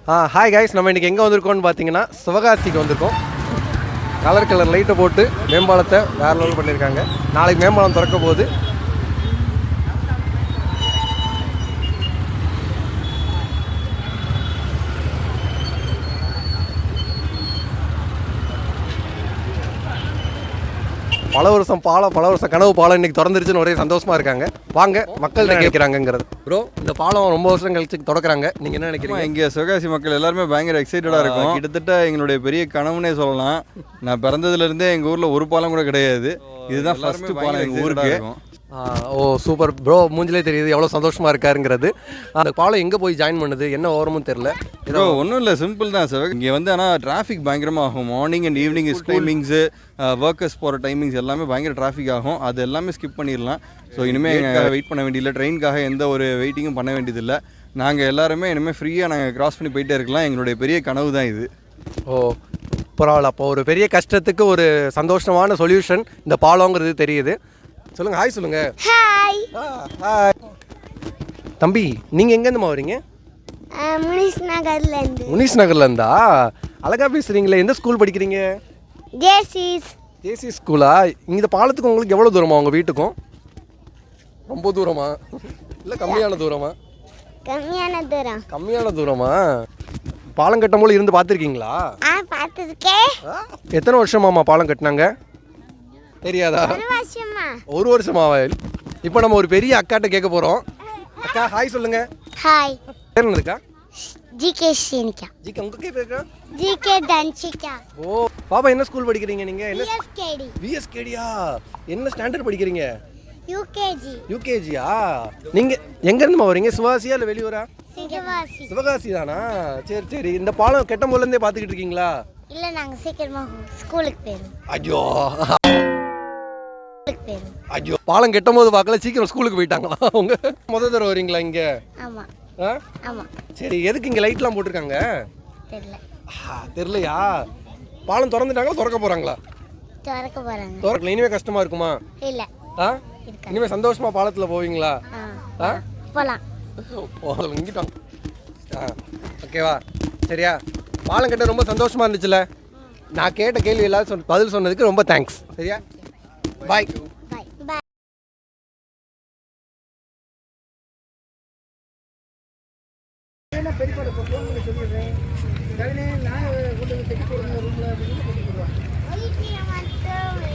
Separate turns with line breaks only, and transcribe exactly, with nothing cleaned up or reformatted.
ஆ hi guys, நம்ம இன்றைக்கி எங்கே வந்திருக்கோம்னு பார்த்தீங்கன்னா சிவகாசிக்கு வந்திருக்கோம். கலர் கலர் லைட்டை போட்டு மேம்பாலத்தை வேறு லெவல் பண்ணியிருக்காங்க. நாளைக்கு மேம்பாலம் திறக்க போகுது. பல வருஷம் பாலம் பல வருஷம் கனவு பாலம் இன்னைக்கு திறந்துருச்சுன்னு ஒரே சந்தோஷமா இருக்காங்க. வாங்க மக்கள்கிட்ட கேட்குறாங்கிறது. ப்ரோ, இந்த பாலம் ரொம்ப வருஷம் கழிச்சு திறக்கிறாங்க, நீங்கள் என்ன நினைக்கிறீங்க?
இங்கே சிவகாசி மக்கள் எல்லாருமே பயங்கர எக்ஸைட்டடாக இருக்கும். கிட்டத்தட்ட எங்களுடைய பெரிய கனவுனே சொல்லலாம். நான் பிறந்ததுலேருந்தே எங்கள் ஊரில் ஒரு பாலம் கூட கிடையாது. இதுதான் ஃபர்ஸ்ட் பாலம் எங்கள் ஊருக்கு.
ஓ சூப்பர் ப்ரோ, மூஞ்சிலே தெரியுது எவ்வளோ சந்தோஷமாக இருக்காருங்கிறது. அந்த பாலம் எங்கே போய் ஜாயின் பண்ணுது, என்ன ஓரமும் தெரில.
ப்ரோ ஒன்றும் இல்லை, சிம்பிள் தான் சார். இங்கே வந்து ஆனால் டிராஃபிக் பயங்கரமாக ஆகும். Morning and evening school timings, workers போகிற டைமிங்ஸ் எல்லாமே பயங்கர டிராஃபிக் ஆகும். அது எல்லாமே ஸ்கிப் பண்ணிடலாம். ஸோ இனிமேல் வெயிட் பண்ண வேண்டியதில்லை. ட்ரெயினுக்காக எந்த ஒரு வெயிட்டிங்கும் பண்ண வேண்டியதில்லை. நாங்கள் எல்லாருமே இனிமேல் ஃப்ரீயாக நாங்கள் கிராஸ் பண்ணி போயிட்டே இருக்கலாம். எங்களுடைய பெரிய கனவு தான் இது.
ஓ பரவாயில்ல, அப்போ ஒரு பெரிய கஷ்டத்துக்கு ஒரு சந்தோஷமான சொல்யூஷன் இந்த பாலங்கிறது தெரியுது. சொல்லுங்க, ஹாய் சொல்லுங்க.
ஹாய்.
ஹாய் தம்பி, நீங்கள் எங்கேருந்துமா வரீங்க?
முனிஸ் நகர்ல இருந்து.
முனிஸ் நகர்ல இருந்தா? அழகா பேசுறீங்களே. எந்த ஸ்கூல் படிக்கிறீங்க?
ஜேசிஸ்.
ஜேசி ஸ்கூலா? இந்த பாலத்துக்கு உங்களுக்கு எவ்வளோ தூரமா உங்கள் வீட்டுக்கும்? ரொம்ப தூரமா இல்லை கம்மியான தூரமா?
கம்மியான தூரம்.
கம்மியான தூரமா? பாலம் கட்டும் போது இருந்து பார்த்துருக்கீங்களா?
ஆ பார்த்துருக்கே.
எத்தனை வருஷமாம்மா பாலம் கட்டினாங்க தெரியாதா?
ஒரு வருஷமா.
ஒரு வருஷமாவா? இப்போ நம்ம ஒரு பெரிய அக்காட்ட கேட்க போகிறோம். அக்கா ஹாய் சொல்லுங்க.
ஹாய்.
பேர் என்னதுக்கா?
ஜிகே ஸ்ரீனிகா.
ஜிகே உங்க பேருக்கா?
ஜிகே தன்ஷிகா.
ஓ பாப்பா, என்ன ஸ்கூல் படிக்கிறீங்க நீங்க? என்ன?
விஎஸ்கேடி.
விஎஸ்கேடியா? என்ன ஸ்டாண்டர்ட் படிக்கிறீங்க?
யூகேஜி.
யூகேஜியா? நீங்க எங்க இருந்து வரீங்க? சிவகாசியா இல்ல வெளியூரா?
சிவகாசி.
சிவகாசி தானா? சரி சரி. இந்த பாலம் கெட்டும் போல இருந்தே பாத்துக்கிட்டு இருக்கீங்களா?
இல்ல, நாங்க சீக்கிரமா ஸ்கூலுக்கு போறோம்.
ஐயோ ஐயோ, பாலம் கெட்டும் போது பார்க்கல, சீக்கிரம் ஸ்கூலுக்கு போயிட்டாங்களா அவங்க? முதல் தடவை வரீங்களா இங்க?
ஆமா. ஆமா.
சரி, எதுக்கு இங்க லைட்லாம் போட்டிருக்காங்க?
தெரியல.
தெரியலையா? பாலம் திறந்துட்டாங்களா திறக்க போறாங்களா?
திறக்க போறாங்க.
திறக்கல. இனிமே கஷ்டமா இருக்குமா?
இல்ல.
ஆ இனிமே சந்தோஷமா பாலத்துல போவீங்களா?
ஆ போலாம்.
இங்கிட்டோம். ஆ ஓகேவா? சரியா? பாலம் கட்ட ரொம்ப சந்தோஷமா இருந்துச்சுல. நான் கேட்ட கேள்வி எல்லாம் சொன்ன பதில் சொன்னதுக்கு ரொம்ப தேங்க்ஸ். சரியா? பாய்.
பாய். பாய். பெரிய